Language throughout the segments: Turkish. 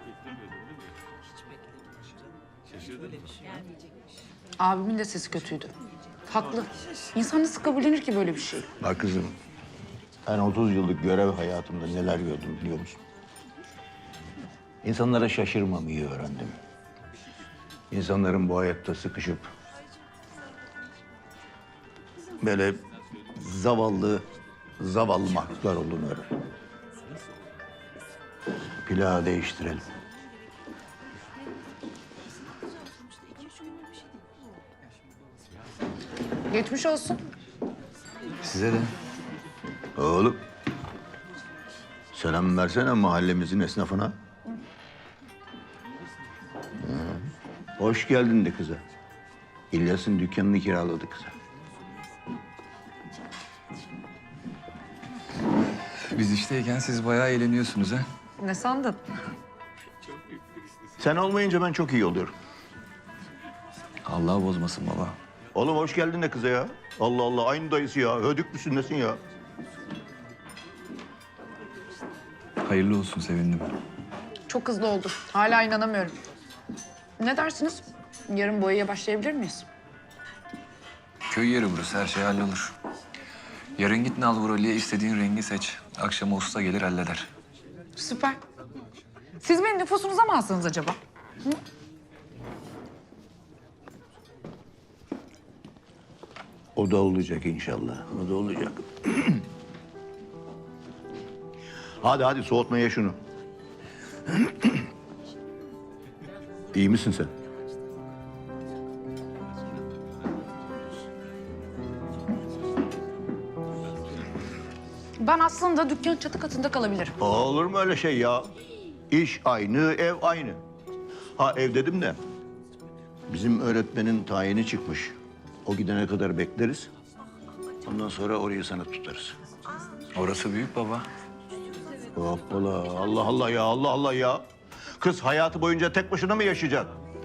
Abimin de sesi kötüydü. Haklı. İnsan nasıl kabullenir ki böyle bir şey? Bak kızım, ben 30 yıllık görev hayatımda neler gördüm biliyor musun? İnsanlara şaşırmamayı öğrendim. İnsanların bu hayatta sıkışıp böyle zavallı mahluklar olduğunu öğrendim. Plağı değiştirelim. Geçmiş olsun. Size de. Oğlum, selam versene mahallemizin esnafına. Hoş geldin de kıza. İlyas'ın dükkanını kiraladı kıza. Biz işteyken siz bayağı eğleniyorsunuz ha. Ne sandın? Sen olmayınca ben çok iyi oluyorum. Allah bozmasın baba. Oğlum hoş geldin de kıza ya. Allah Allah, aynı dayısı ya. Hödük müsün nesin ya? Hayırlı olsun, sevindim. Çok hızlı oldu. Hala inanamıyorum. Ne dersiniz? Yarın boyaya başlayabilir miyiz? Köy yeri burası, her şey hallolur. Yarın git Nalburali'ye istediğin rengi seç. Akşama usta gelir halleder. Süper. Siz beni nüfusunuza mı alsanız acaba? O da olacak inşallah. O da olacak. Hadi soğutmaya şunu. İyi misin sen? Ben aslında dükkan çatı katında kalabilirim. Olur mu öyle şey ya? İş aynı, ev aynı. Ha ev dedim de bizim öğretmenin tayini çıkmış. O gidene kadar bekleriz. Ondan sonra orayı sana tutarız. Orası büyük baba. Hoppala, Allah Allah ya, Allah Allah ya. Kız hayatı boyunca tek başına mı yaşayacak?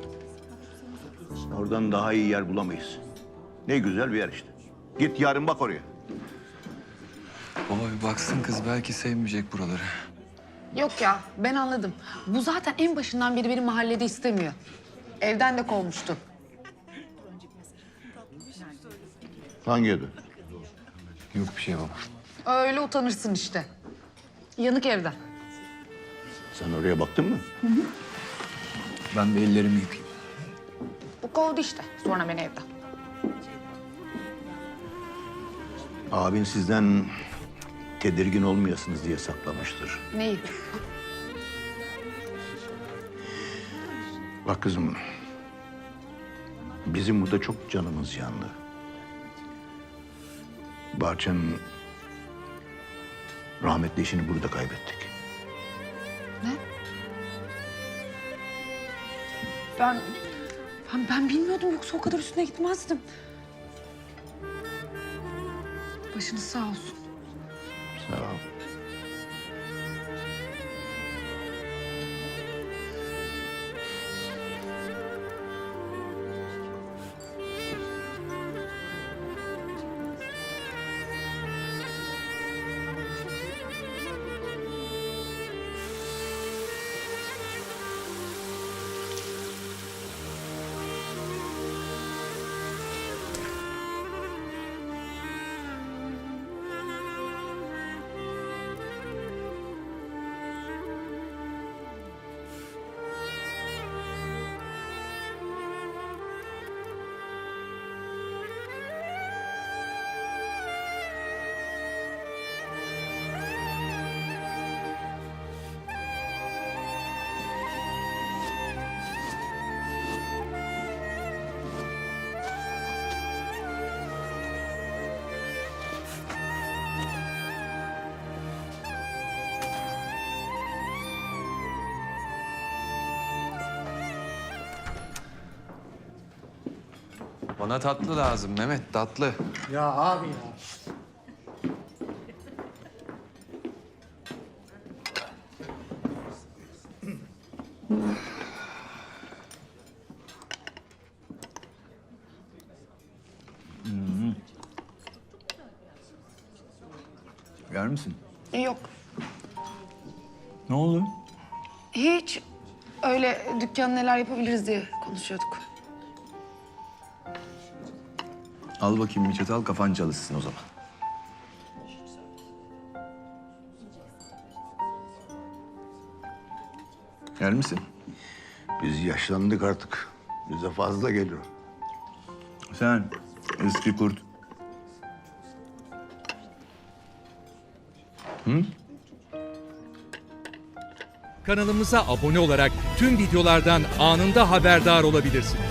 Oradan daha iyi yer bulamayız. Ne güzel bir yer işte. Git yarın bak oraya. Baba bir baksın kız, belki sevmeyecek buraları. Yok ya, ben anladım. Bu zaten en başından beri benim mahallede istemiyor. Evden de kovmuştu. Hangi evde? Yok bir şey baba. Öyle utanırsın işte. Yanık evden. Sen oraya baktın mı? Ben bir ellerimi yıkayayım. Bu kovdu işte. Sonra beni evden. Abin sizden tedirgin olmayasınız diye saklamıştır. Neyi? Bak kızım, bizim burada çok canımız yandı. Bahçe'nin rahmetli eşini burada kaybettik. Ne? Ben bilmiyordum, yoksa o kadar üstüne gitmezdim. Başınız sağ olsun. Sağ ol. Bana tatlı lazım Mehmet, tatlı. Ya abi ya. Yer misin? Yok. Ne oldu? Hiç. Öyle dükkan neler yapabiliriz diye konuşuyorduk. Al bakayım bir çatal, kafan çalışsın o zaman. Yer misin? Biz yaşlandık artık. Bize fazla geliyor. Sen eski kurt. Kanalımıza abone olarak tüm videolardan anında haberdar olabilirsiniz.